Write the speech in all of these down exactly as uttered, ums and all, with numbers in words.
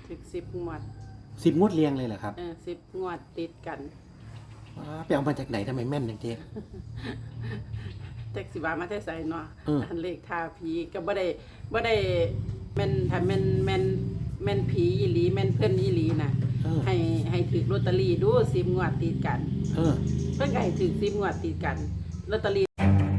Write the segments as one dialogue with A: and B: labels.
A: ถึกสิบงวด
B: สิบงวดเรียงเลยเหรอครับ
A: เออสิบงวดติดกัน
B: ไปเอามาจากไหนทำไมแม่นอย่างเจ๊
A: แท็กซี่บามาแต่ไสเนาะ
B: อืม
A: อันเลขท่าผีก็บ่ได้บ่ได้แม่นถ้าแม่นแม่นแม่นผีอีหลีแม่นเพิ่นอีหลีน่ะ
B: เออ
A: ให้ให้ถือลอตเตอรี่ดูสิบงวดติดกัน
B: เออ
A: เพิ่นก็ให้ถือสิบงวดติดกันลอตเตอรี่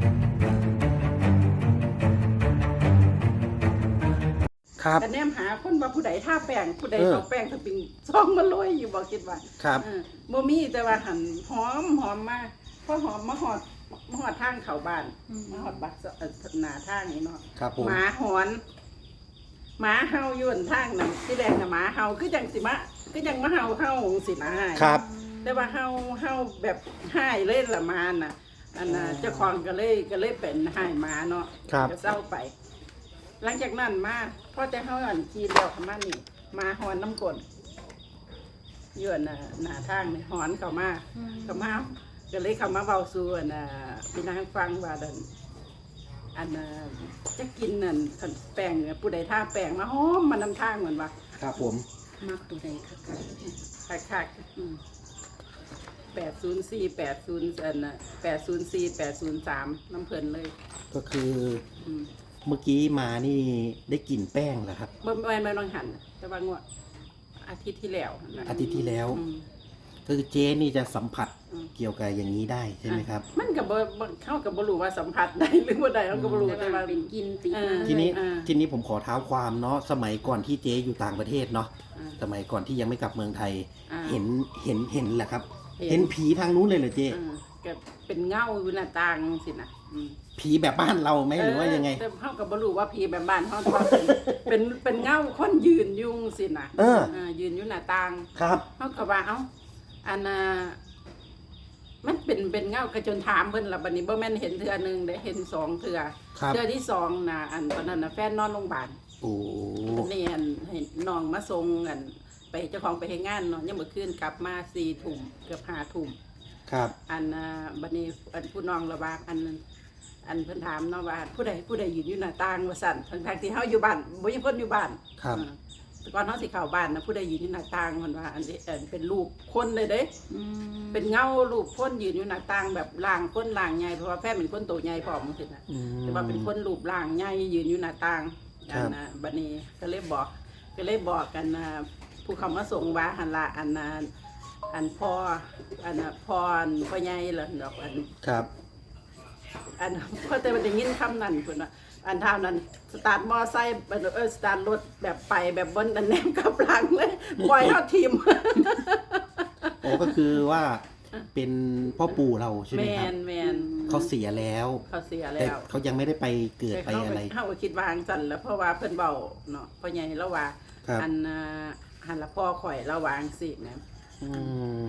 B: ครับ
A: แต่แนมหาคนว่าผู้ใดท่าแป้งผู้ใด
B: เออ
A: เอาแป้งสปริงซองมาโรยอยู่บ่คิดว่า
B: ครับ
A: เออบ่มีแต่ว่าหันหอมหอมมาพอหอมมาหอดมาหอดทางเข้าบ้านมาหอดบักเอ่อหน้าทางนี่เนาะ
B: ครับผม
A: หมาหอนหมาเห่าอยู่บนทางนั่นที่แรกน่ะหมาเห่าคือจังสิมาคือจังมาเห่าเห่าสินะ
B: ครับ
A: แต่ว่าเห่าเห่าแบบหายเลยละมาน่ะอันน่ะเจ้าของก็เลยก็เลยเป็นหายหมาเนาะ
B: ครับ
A: ก็เศร้าไป หลังจากนั้นมาพอแต่เฮาอันขี่แล้วเข้ามานี่มาหอนน้ำกลนอยู่อันน่ะหน้าทางนี่หอนเข้ามาเข้ามาก็เลยเข้ามาเว้าสู่อันน่ะพี่นางฟังว่าดันอันน่ะจะกินนั่นคันแป้งเนี่ยผู้ใดท่าแป้งมาหอมมานำทางเหมือนว่า
B: ครับผม
C: มักตัวใดคัก
A: คักๆอืมแปดศูนย์สี่แปดศูนย์อันน่ะแปดศูนย์สี่แปดศูนย์สามน้ำเพลินเลย
B: ก็คือ
A: อืม
B: เมื่อกี้มานี่ได้กลิ่นแป้งเหรอครับ
A: บ่ไม่ไม่ต้องหันแต่ว่างวดอาทิตย์ที่แล้วนะ
B: อาทิตย์ที่แล้ว
A: อืม
B: ก็คือเจ๊นี่จะสัมผัส
A: อืม
B: เกี่ยวกับอย่างนี้ได้ใช่ไหมครับ
A: มันก็บ่บ่เข้ากับบ่รู้ว่าสัมผัสได้หรือบ่ได้เขาก็บ่รู้
C: ๆแต่
A: แต่
C: ว่า
A: ว่า
C: เป็นกินติด
A: เออ
C: มา
B: ทีนี้
A: อ่า
B: ทีนี้ผมขอเท้าความเนาะสมัยก่อนที่เจ๊อยู่ต่างประเทศเนาะ
A: อ่า
B: สมัยก่อนที่ยังไม่กลับเมืองไทย
A: อ่า
B: เห็นเห็นเห็นแหละครับ
A: เห็น
B: เห็นผีทางนู้นเลยเหรอเจ๊
A: เออก็เป็นเงาอยู่หน้าต่างสินะอืม
B: ผีแบบบ้านเราไหมหรือว่ายังไง
A: แต่เขาก็บ่รู้ว่าผีแบบบ้านเขาแต่ว่าเป็นเป็นเป็นเงาคนยืนอยุ่จั่งสินะ
B: เออ
A: ยืนอยู่หน้าต่าง
B: ครับ
A: เขาก็ว่าเอ้าอันน่ะมันเป็นเป็นเงากระจนถามเพิ่นละบัดนี้บ่แม่นเห็นเทื่อหนึงได้เห็นสองเทื่อ
B: ครับ
A: เทื่อที่สองน่ะอันตอนนั้นน่ะแฟนนอนโรงพยาบาล
B: โอ้
A: นี่อันให้น้องมาส่งอันไปเจ้าของไปเฮ็ดงานเนาะยังมื้อคืนกลับมาสี่ทุ่มเกือบห้าทุ่ม
B: ครับ
A: อันน่ะบัดนี้อันผู้น้องระบากอันนั้นอันเพิ่นถามเนาะว่าผู้ใดผู้ใดยืนอยู่หน้าต่างว่าซั่นทั้งๆที่เฮาอยู่บ้านบ่มีคนอยู่บ้าน
B: ครับ
A: เออแต่ก่อนเฮาสิเข้าบ้านนะผู้ใดยืนอยู่หน้าต่างเพิ่นว่าอันนี้อันเป็นรูปคนเลยเด้
C: อืม
A: เป็นเงารูปคนยืนอยู่หน้าต่างแบบร่างคนร่างใหญ่เพราะว่าแฟนเป็นคนโตใหญ่พร้อมจังซี่น่ะ
B: อืม
A: แต่ว่าเป็นคนรูปร่างใหญ่ยืนอยู่หน้าต่าง
B: ครั
A: อั
B: บ
A: นน่ะบัดนี้ก็เลยบอกก็เลยบอกกันนะผู้เขามาส่งว่าหันละอันน่ะอันพ่ออันน่ะพ่ออันพ่อใหญ่ล่ะดอกอัน
B: ครับ
A: อันพ่อแต่มันได้ยินคำนั้นพุ่นน่ะอันทางนั้นสตาร์ทมอไซค์เออสตาร์ทรถแบบไปแบบบนอันแนมกับหลังเลยปล่อยเฮาทีม
B: โอ้ก็คือว่าเป็นพ่อปู่เราใช่ไห
A: แม
B: มครับ
A: นแมน
B: เขาเสียแล้ว
A: เขาเสีย
B: แต่
A: แล้ว
B: เขายังไม่ได้ไปเกิด
A: แต่
B: ไป
A: เขา
B: อะไร
A: เขาก็คิดว่าจั่งสั่นแล้วเพราะว่าเพิ่นเบาเนาะพ่อใหญ่แล้วว่า
B: ครับ
A: อันน่ะหันละพ่อข่อยระวางสินะ
B: อืม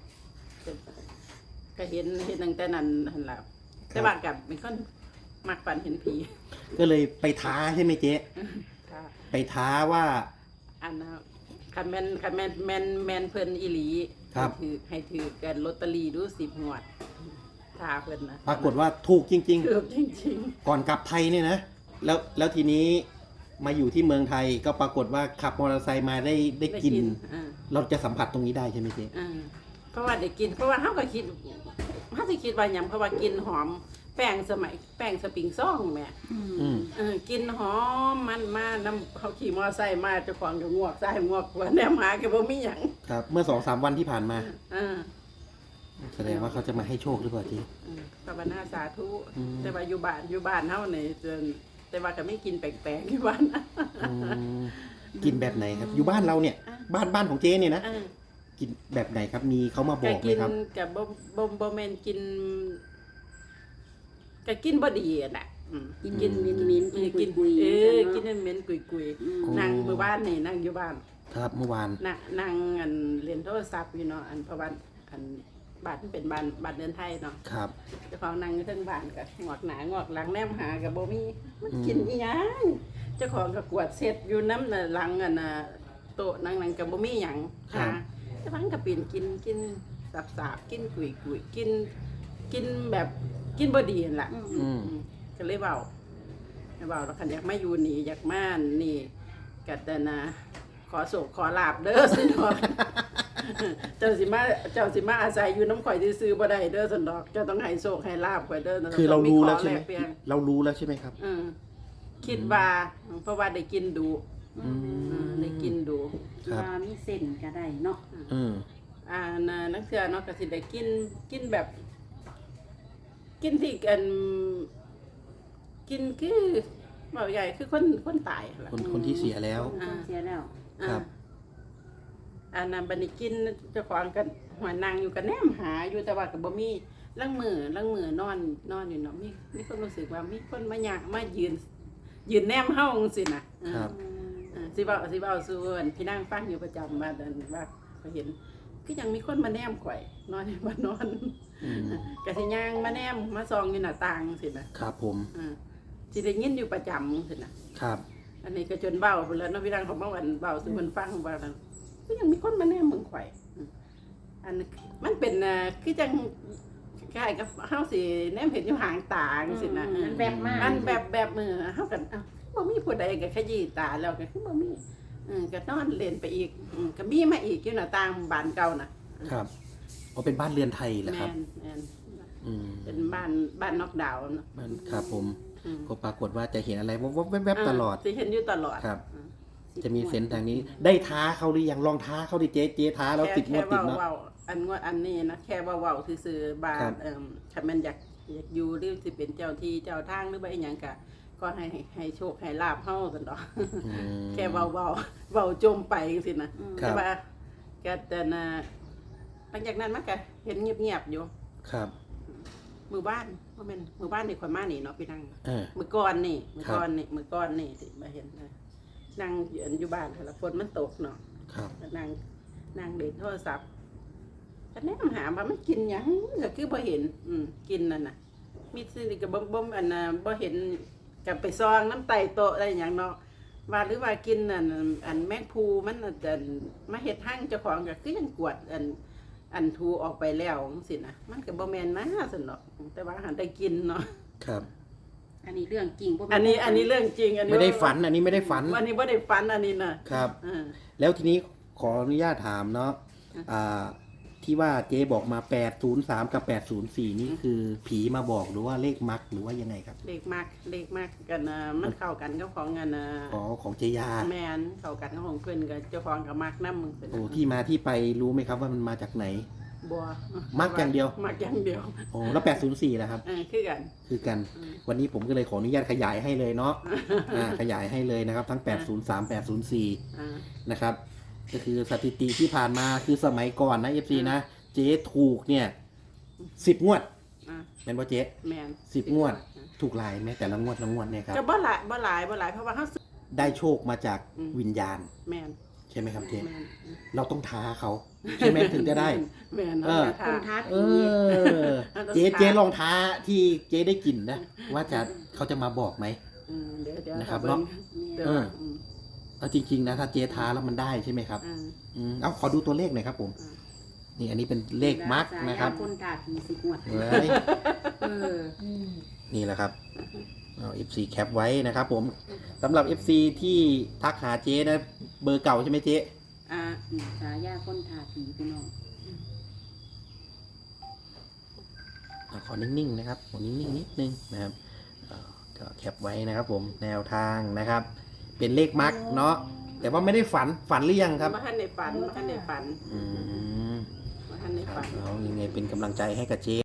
A: ก็เห็นเห็นตั้งแต่นั้นหันละแต่ว่ากับเป็นคนมักฝันเห็นผี
B: ก็เลยไปท้าใช่ไหมเจ๊
A: ค่ะ
B: ไปท้าว่า
A: อันน่ะคันแม่นคันแม่นแม่นแม่นเพิ่นอีหลี
B: ครับ
A: ให้ถือให้ถือกันลอตเตอรี่ดูสิบงวดถ้าเพิ่นนะ
B: ปรากฏว่าถูกจริง
A: เกือบจริง
B: ๆ ก่อนกลับไทยเนี่ยนะ แล้วแล้วทีนี้มาอยู่ที่เมืองไทยก็ปรากฏว่าขับมอเตอร์ไซค์มาได้ได้
A: ๆได้
B: กิน
A: อ่า
B: เราจะสัมผัสตรงนี้ได้ใช่ไหมเจ๊
A: อ่าเพราะว่าได้กิน เพราะว่าเฮาก็คิดเฮาสิคิดว่าหยังเพราะว่ากินหอมแป้งสมัยแป้งสปริงซ่องแม่
B: อืม
A: เออกินหอมมันมาน้ำเขาขี่มอไซค์มาเจ้าของก็งวกซ้ายงวกขวาแนมหาก็บ่มีหยัง
B: ครับ เมื่อสองสามวันที่ผ่านมา
A: เออ
B: แสดงว่าเขาจะมาให้โชคหรือเปล่าเจ๊
A: เออภาวนาสาธุ
B: อืม
A: แต่ว่าอยู่บ้านอยู่บ้านเฮานี่จนแต่ว่าก็ไม่กินแปลกๆอยู่บ้านนะ
B: อืมกินแบบไหนครับ อยู่บ้านเราเนี่ย บ้านบ้านของเจ๊เนี่ยนะ
A: เออ
B: กินแบบไหนครับ มีเขามาบ
A: ก็
B: อกไหม
A: กิน
B: ครับ
A: กับบ่บ่บ่แม่นกินก็กินบ่ดีอะน่ะอืม
C: กินกินมินมิน
A: เอ
C: กิน
A: อ
C: กุ
A: กิ
C: ย
A: น
C: กุย
A: เออ
C: ๆ
A: กิ
C: กิ
A: น
C: น
A: เหม็นๆกุย
C: อืม
A: ๆนั่งมื้อบ้านนี่นั่งอยู่บ้าน
B: ครับเมื่อวาน
A: น่ะนั่งอันเล่นโทรศัพท์อยู่เนาะอันเพราะว่าอันบ้านมันเป็นบ้านบ้านเดินไทยเนาะ
B: ครับ
A: เจ้าของนั่งอยู่เทิงบ้านก็งอกหน้างอกหลังแนมหาก็บ่มีมัน
B: อืม
A: กินอีหยังเจ้าของก็กวาดเสร็จอยู่น้ำน่ะหลังอันน่ะโต๊ะนั่งนั่งก็บ่มีหยังหาเจ้าของก็ปีนกินกินสับๆกินกุยๆกินกินแบบกินบ่ดีนั่นล่ะ
C: อืม
B: อืม
A: อืมก็เลยเว้าเว้าแล้วคันอยากมาอยู่นี่อยากมานี่ก็แต่นะขขอโศกขอลาบเด้อสินดอก เจ้าสิมาเจ้าสิมาอาศัยอยู่น้ำข่อยซื้อๆบ่ได้เด้อสินดอกเจ้าต้องให้โศกให้ลาบข่อยเด้อ
B: คือเรารู้แล้วใช่ไหม
A: ต้องขอกเปลี่ยน
B: เรารู้แล้วใช่ไหมครับ
A: อืมคิดว่าเพราะว่าได้กินดู
B: อืม
A: อืมได้กินดู
B: ครับ
C: ว่ามีเส้นก็ได้เนาะ
B: อืม
A: อ่าน่ะนักเสือเนาะก็สิได้กินกินแบบ กินที่กันกินคือเบาใหญ่คือคนคนตายล่ะ
B: คนคนที่เสียแล้ว
C: อ่าเสียแล้ว
B: ครับ
A: อ่าอันนั้นบัดนี้กินเจ้าของกันหัวนางอยู่กันแนมหาอยู่แต่ว่าก็บ่มีลังมือลังมือนอนนอนอยู่เนาะมีมีคนรู้สึกว่ามีคนมาอยากมายืน ยืนแนมเฮาจังซี่น่ะ
B: ครับ
A: อ่าสิเว้าสิเว้าสู่อันพี่นางฟังอยู่ประจำว่าดันว่าเขาเห็นคือยังมีคนมาแนมข่อยนอนอยู่บ้านนอน
B: อืม
A: กะสิย่างมาแนมมาส่องอยู่หน้าต่างจังซี่น่ะ
B: ครับผม
A: อ่าสิได้ยินอยู่ประจำจังซี่น่ะ
B: ครับ
A: อันนี้ก็จนเบ้าไปแล้วเนาะพี่นางของเมื่อวันเบ้าสู่เพิ่นฟังว่านั่นก็ยังมีคนมาแนมเมืองข่อยอืมอันนี้มันเป็นอ่าคือจังคล้ายกับเฮาสิแนมเห็นอยู่ห่างตาจังซี่นะ
C: มันแบบมาก
A: มันแบบแบบมือเฮากันเอ้าบ่มีผู้ใดก็ขยี้ตาแล้วก็คือบ่มีอืมก็นอนเล่นไปอีกอืมก็มีมาอีกอยู่หน้าต่างบ้านเก่าน่ะ
B: ครับอ๋อเป็นบ้านเรือนไทยเหรอค
A: แม่
B: รับ
A: นแม่น
B: อืม
A: เป็นบ้านบ้านนอกดาวน์เนาะ
B: บ้านครับผม
A: อืม
B: ก็ปรากฏว่าจะเห็นอะไรวับๆแวบๆตลอด
A: สิเห็นอยู่ตลอด
B: ครับ
A: อืม
B: จะมีเซนส์ทางนี้ ได้ท้าเขาหรือยังลองท้าเขาดิเจ๊เจ๊ท้าแล้วติดงวดติดเนาะ
A: แค่เว้าๆอันงวดอันนี้นะแค่ว่าเว้าซื่อๆบา
B: ครั
A: ด
B: บ
A: เอิ่มถ้ามันอยากอยากอยู่หรือสิเป็นเจ้าที่เจ้าทางหรือว่าอีหยังก็ก็ให้ให้ให้โชคให้ลาบเฮาซั่นดอก
B: อืม
A: แค่เว้าเว้าเว้าจมไปจังซี่นะ
B: ครับ
A: แต่ว่าก็แต่น่ะหลังจากนั้นมันก็เห็นเงียบๆอยู่
B: ครับ
A: มือบ้านบ่แม่นมือบ้านนี่ข่อยมานี่เนาะพี่นั่ง
B: เออ
A: มื้อก่อนนี่มื้อ
B: ครับ
A: ก่อนนี่มื้อก่อนนี่ที่มาเห็นนะนั่งอยู่อันอยู่บ้านหั่นล่ะฝนมันตกเนาะ
B: ครับ
A: ก็นั่งนั่งเล่นโทรศัพท์ก็แนมหาว่ามันกินหยังก็คือบ่เห็น อืมกินนั่นน่ะ มีสิ่งก็บ่บ่อันน่ะบ่เห็นก็ไปซองน้ำไตโต๊ะอะไรหยังเนาะว่าหรือว่ากินนั่นอันแมงภูมันน่ะแต่มาเฮ็ดหั่งเจ้าของก็คือยังกวดอันอันทูออกไปแล้วจังซี่นะมันก็บ่แม่นมาซั่นดอกแต่ว่าหันได้กินเนาะ
B: ครับ
C: อันนี้เรื่องจริงบ่แม่
A: อันนี้อันนี้เรื่องจริง อันนี้
B: ไม่ได้ฝัน อันนี้ไม่ได้ฝัน
A: อันนี้บ่ได้ฝันอันนี้น่ะ
B: ครับ
A: อ่า
B: แล้วทีนี้ขออนุญาตถามเนาะ อ่า ที่ว่าเจ๊บอกมาแปดศูนย์สามกับแปดศูนย์สี่นี่คือผีมาบอกหรือว่าเลขมักหรือว่ายังไงครับ
A: เลขมากเลขมากกันน่ะมันเข้ากันกับของอันน่ะ
B: อ๋อของเจยา
A: แม่นเข้ากันกับของเพิ่นกับเจ้าของก็มักนำมึงเป็น
B: โอ้ที่มาที่ไปรู้ไหมครับว่ามันมาจากไหน
A: บัว
B: มักอย่างเดียว
A: มักอย่างเดียว
B: โอ้แล้วแปดศูนย์สี่นะครับ
A: เออคือกัน
B: คือกัน
A: อืม
B: วันนี้ผมก็เลยขออนุญาตขยายให้เลยเนาะ อ่า ขยายให้เลยนะครับ ทั้งแปดศูนย์สาม แปดศูนย์สี่
A: อ่า
B: นะครับ ก็คือสถิติที่ผ่านมาคือสมัยก่อนนะเอฟซีนะ เจ๊ถูกเนี่ยสิบงวด
A: อ่า
B: เป็นว่าเจ๊
A: แม่น
B: สิบงวด ถูกหลายไหมแต่ละงวดละงวดเนี่ยครับ
A: ก็บ่หลายบ่หลายบ่หลายเพราะว่าเฮาซื้อ
B: ได้โชคมาจาก
A: อืม
B: วิญญาณ
A: แม่น
B: ใช่ไหมครับเจ๊
A: แม่น
B: เราต้องท้าเขาใช่ไหมถึงจะได้
A: แม่น
B: เออ
A: า
C: คนท้า
B: เอ
C: ผี
B: อ เจ๊เจ๊ลองท้าที่เจ๊ได้กลิ่นนะ ว่าจะเขาจะมาบอกไหม
A: อืมเดี๋ยวเดี๋ยว
B: นะครับ
A: บิ่ง
B: เนาะ
A: เดี๋ยว
B: เออ
A: อืม
B: เอาจริงๆนะถ้าเจ๊ท้าแล้วมันได้ใช่ไหมครับ
A: อ่า
B: อืมเอาขอดูตัวเลขหน่อยครับผม
A: อ่า
B: นี่อันนี้เป็นเลขมาร์กนะครับ
C: คนท้าผีสิบงวด
B: เฮ้ย
C: เออ
B: นี่แหละครับเอา เอฟ ซี แคปไว้นะครับผมสำหรับ เอฟ ซี ที่ทักหาเจ๊นะเบอร์เก่าใช่ไหมเจ๊
A: อ่า
C: อืมฉายาคนท้าผีพี่น้อง
B: อ่ะขอนิ่งๆนะครับขอนิ่งๆนิดนึงนะครับเอ่อก็แคปไว้นะครับผมแนวทางนะครับ เป็นเลขมาร์กเนาะแต่ว่าไม่ได้ฝันฝันหรือยังครับ
A: มาทันในฝันมาทันในฝัน
B: อืม
A: มาทันใน
B: ครั
A: ฝั
B: บ
A: น
B: เอายังไงเป็นกำลังใจให้กับเจ๊